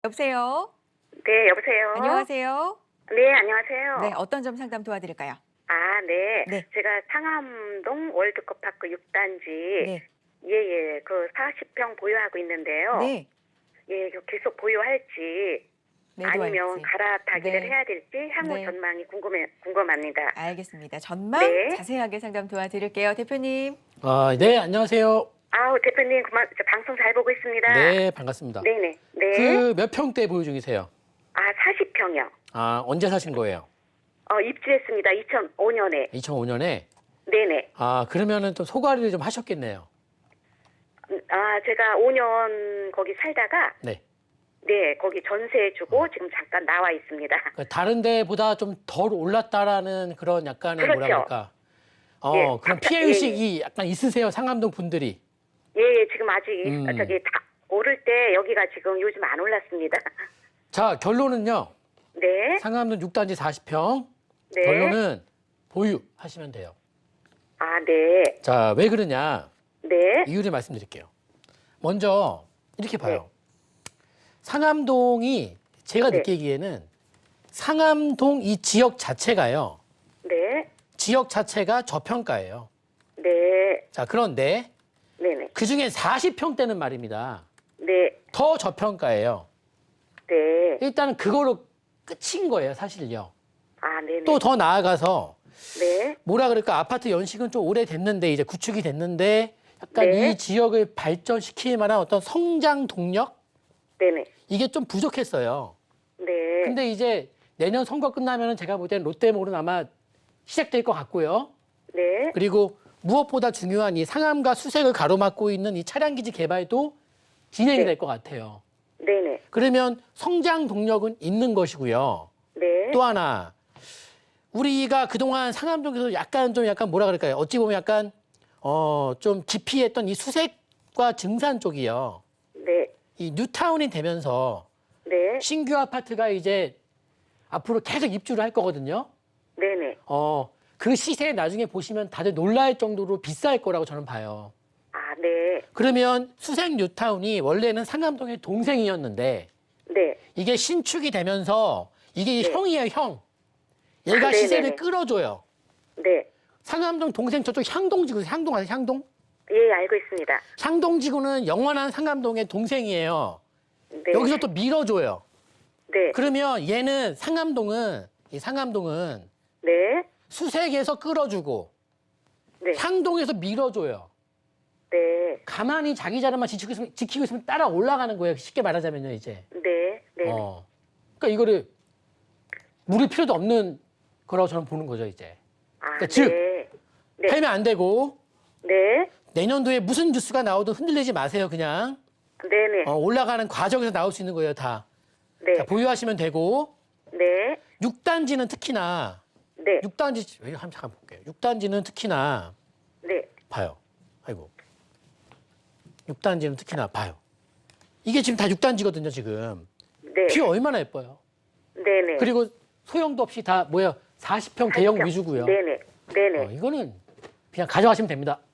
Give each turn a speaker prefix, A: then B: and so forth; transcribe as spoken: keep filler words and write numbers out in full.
A: 여보세요?
B: 네, 여보세요?
A: 안녕하세요?
B: 네, 안녕하세요.
A: 네, 어떤 점 상담 도와드릴까요?
B: 아, 네.
A: 네.
B: 제가 상암동 월드컵파크 육 단지,
A: 네.
B: 예, 예, 그 사십 평 보유하고 있는데요.
A: 네.
B: 예, 이거 계속 보유할지, 아니면
A: 매도할지.
B: 갈아타기를
A: 네.
B: 해야 될지, 향후
A: 네.
B: 전망이 궁금해, 궁금합니다.
A: 알겠습니다. 전망
B: 네.
A: 자세하게 상담 도와드릴게요. 대표님.
C: 아, 네, 안녕하세요.
B: 아우, 대표님, 그만, 저 방송 잘 보고 있습니다.
C: 네, 반갑습니다.
B: 네네. 네.
C: 그 몇 평대 보유 중이세요?
B: 아, 사십 평이요.
C: 아, 언제 사신 거예요?
B: 어, 입주했습니다. 이천오 년에.
C: 이천오 년에?
B: 네네.
C: 아, 그러면은 또 소가리를 좀 하셨겠네요.
B: 아, 제가 오 년 거기 살다가,
C: 네.
B: 네, 거기 전세 주고 지금 잠깐 나와 있습니다.
C: 그러니까 다른 데보다 좀 덜 올랐다라는 그런 약간의
B: 그렇죠.
C: 뭐라 그럴까? 어,
B: 예,
C: 그런
B: 아까-
C: 피해 의식이 약간 있으세요, 상암동 분들이.
B: 예, 예, 지금 아직
C: 음.
B: 저기 다 오를 때 여기가 지금 요즘 안 올랐습니다.
C: 자, 결론은요.
B: 네,
C: 상암동 육 단지 사십 평.
B: 네.
C: 결론은 보유하시면 돼요.
B: 아, 네,
C: 자, 왜 그러냐?
B: 네,
C: 이유를 말씀드릴게요. 먼저 이렇게 봐요. 상암동이 제가
B: 네.
C: 느끼기에는 상암동 이 지역 자체가요.
B: 네,
C: 지역 자체가 저평가예요.
B: 네,
C: 자, 그런데
B: 네, 네,
C: 그중에 사십 평대는 말입니다.
B: 네,
C: 더 저평가예요.
B: 네.
C: 일단은 그거로 끝인 거예요, 사실요.
B: 아, 네, 네.
C: 또 더 나아가서
B: 네,
C: 뭐라 그럴까? 아파트 연식은 좀 오래됐는데 이제 구축이 됐는데 약간
B: 네.
C: 이 지역을 발전시킬 만한 어떤 성장 동력?
B: 네, 네,
C: 이게 좀 부족했어요.
B: 네,
C: 근데 이제 내년 선거 끝나면은 제가 볼 때는 롯데몰은 아마 시작될 것 같고요.
B: 네,
C: 그리고 무엇보다 중요한 이 상암과 수색을 가로막고 있는 이 차량기지 개발도 진행이
B: 네.
C: 될 것 같아요.
B: 네, 네,
C: 그러면 성장 동력은 있는 것이고요.
B: 네,
C: 또 하나, 우리가 그동안 상암동에서 약간 좀 약간 뭐라 그럴까요? 어찌 보면 약간 어, 좀 기피했던 이 수색과 증산 쪽이요.
B: 네,
C: 이 뉴타운이 되면서
B: 네,
C: 신규 아파트가 이제 앞으로 계속 입주를 할 거거든요.
B: 네, 네.
C: 어, 그 시세 나중에 보시면 다들 놀랄 정도로 비쌀 거라고 저는 봐요.
B: 아, 네,
C: 그러면 수색 뉴타운이 원래는 상암동의 동생이었는데
B: 네,
C: 이게 신축이 되면서 이게
B: 네.
C: 형이에요, 형. 얘가
B: 아,
C: 시세를
B: 네네네.
C: 끌어줘요.
B: 네.
C: 상암동 동생 저쪽 향동지구, 향동 아세요, 향동?
B: 예, 알고 있습니다.
C: 향동지구는 영원한 상암동의 동생이에요.
B: 네.
C: 여기서 또 밀어줘요.
B: 네,
C: 그러면 얘는 상암동은 이 상암동은
B: 네,
C: 수색에서 끌어주고
B: 네,
C: 향동에서 밀어줘요.
B: 네,
C: 가만히 자기 자리만 지키고 있으면, 지키고 있으면 따라 올라가는 거예요. 쉽게 말하자면요, 이제.
B: 네, 네.
C: 어. 그러니까 이거를 물을 필요도 없는 거라고 저는 보는 거죠, 이제.
B: 아,
C: 그러니까 즉,
B: 네. 네.
C: 팔면 안 되고
B: 네.
C: 내년도에 무슨 뉴스가 나오든 흔들리지 마세요, 그냥.
B: 네네.
C: 어, 올라가는 과정에서 나올 수 있는 거예요, 다.
B: 네.
C: 자, 보유하시면 되고
B: 네.
C: 육 단지는 특히나
B: 네.
C: 육 단지 왜 한번 잠깐 볼게요. 육 단지는 특히나
B: 네.
C: 봐요. 아이고. 육 단지는 특히나 봐요. 이게 지금 다 육 단지거든요, 지금.
B: 네.
C: 뷰 얼마나 예뻐요.
B: 네네.
C: 그리고 소형도 없이 다 뭐야 사십 평 대형
B: 사십 평.
C: 위주고요.
B: 네네. 네네.
C: 어, 이거는 그냥 가져가시면 됩니다.